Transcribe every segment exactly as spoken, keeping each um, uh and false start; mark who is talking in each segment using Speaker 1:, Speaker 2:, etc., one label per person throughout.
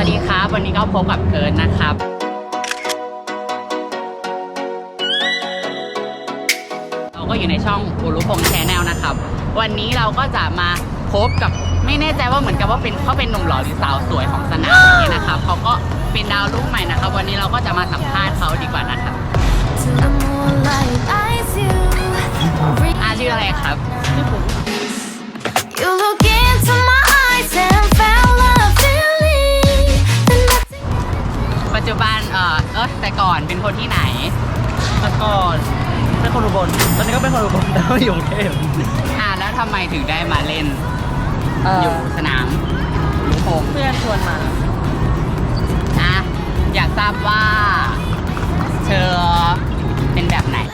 Speaker 1: วัสดีครับวันนี้ก็พบกับเคิร์ดนะครับเราก็อยู่ในช่องอุรุพงษ์แชนแนลนะครับวันนี้เราก็จะมาพบกับไม่แน่ใจว่าเหมือนกับว่าเป็นเขาเป็นหนุ่มหล่อหรือสาวสวยของสนามนี้นะครับเขาก็เป็นดาวรุ่งใหม่นะครับวันนี้เราก็จะมาสัมภาษณ์เขาดีกว่านะครับอาชื่ออะไรครับชื่อผมปัจจุบันเออเออแต่ก่อนเป็นคนที่ไหน
Speaker 2: แต่ก่อนเป็นคนอุบลตอนนี้ก็เป็นคนอุบลแต่ว่าอยู่กรุงเทพ
Speaker 1: อ่าแล้วทำไมถึงได้มาเล่นอยู่สนามอุรุพงษ์
Speaker 2: เพื่อนชวนมา
Speaker 1: อ่ะอยากทราบว่าเธอเป็นแบบไหน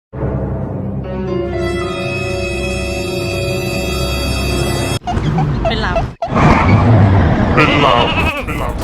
Speaker 2: เป็นลับ
Speaker 3: เป็นลับเป็นลับ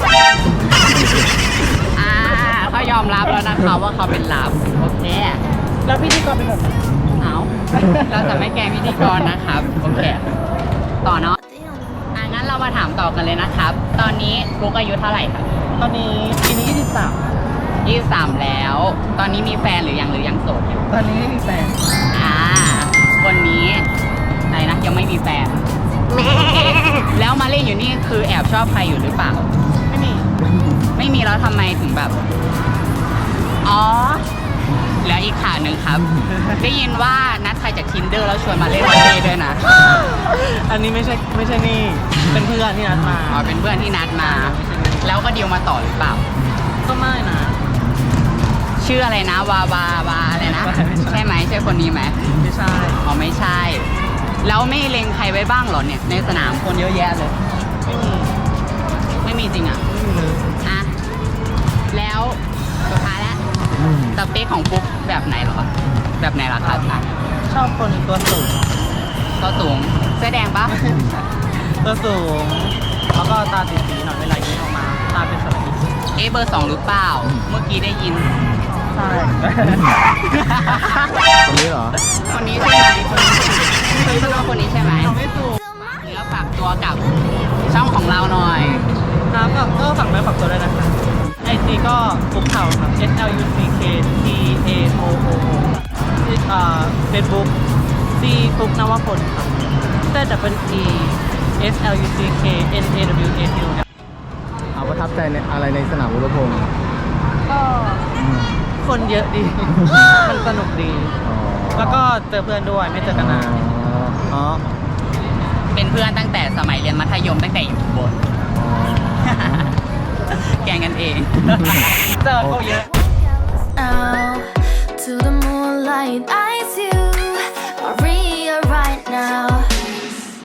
Speaker 1: อ่าเขายอมรับแล้วนะคะว่าเขาเป็นลับโอเค
Speaker 2: แล้วพิธีกรเป็นแบบ
Speaker 1: เอาเราจะไม่แกล้งพิธีกรนะครับโอเคต่อเนาะอ่ะงั้นเรามาถามต่อกันเลยนะครับตอนนี้ฟุกอายุเท่าไหร่ครับ
Speaker 2: ตอนนี้ปีนี้ยี่สิบสาม
Speaker 1: ยี่สิบสามแล้วตอนนี้มีแฟนหรือยังหรือยังโสดอยู่
Speaker 2: ตอนนี้ไม่มีแฟน
Speaker 1: อ่าคนนี้อะไรนะยังไม่มีแฟนแล้วมาเล่นอยู่นี่คือแอบชอบใครอยู่หรือเปล่า
Speaker 2: ไม่มี
Speaker 1: ไม่มีแล้วทำไมถึงแบบอ๋อแล้วอีกข่าวหนึ่งครับ ได้ยินว่านัดใครจาก Tinder แล้วชวนมาเล่นวอลเลย์ด้วยนะ
Speaker 2: อันนี้ไม่ใช่ไม่ใช่นี่เป็นเพื่อนที่นัดมา
Speaker 1: อ๋อเป็นเพื่อนที่นัดมาแล้วก็ดีลมาต่อหรือเปล่า
Speaker 2: ก็ไม่นะ
Speaker 1: ชื่ออะไรนะวาวาวาอะไรนะใช่ไหมใช่คนนี้ไหม
Speaker 2: ไม่ใช่
Speaker 1: อ๋อไม่ใช่แล้วไม่เล็งใครไว้บ้างหรอเนี่ยในสนามคนเยอะแยะเลย
Speaker 2: ไม่มี
Speaker 1: ไม่มีจริงอ่ะ
Speaker 2: ไม่มีเลย
Speaker 1: อ่ะแล้วสุดท้ายแล้วสเปคของปุ๊กแบบไหนหรอแบบไหนล่ะครับ
Speaker 2: ชอบคนตัวสูง
Speaker 1: ตัวสูงเสื้อแดงปะ
Speaker 2: ตัวสูงแล้วก็ตาสีสีหน่อยเวลายิ้มออกมาตาเป็นสระอี
Speaker 1: เอ๊ะเบอร์สองหรือเปล่าเมื่อกี้ได้ยิน
Speaker 2: ใช่
Speaker 3: คนนี้เหรอ
Speaker 1: คนนี้ใช่ไหมคนนี้คือชื่อว่าคนนี้ใช่ไหม
Speaker 2: ไม่ถูก
Speaker 1: เนื้อฝากตัวกับช่องของเราหน่อย
Speaker 2: ครับก็ฝากเนื้อฝากตัวด้วยนะคะไอจีก็ฟุกเข่าครับ S L U C K T A O O O อ่าเฟซบุ๊ก C ฟุกนวพลครับ Z W E S L U C K N A W A T
Speaker 3: เอาประทับใจในอะไรในสนามอุรุพงษ์
Speaker 2: ก็คนเยอะดี มันสนุกดีแล้วก็เจอเพื่อนด้วยไม่เจอกันนานอ๋อ
Speaker 1: เป็นเพื่อนตั้งแต่สมัยเรียนมัธยมตั้งแต่อยู่บนแกงกันเอง
Speaker 2: เจอเขาเยอะ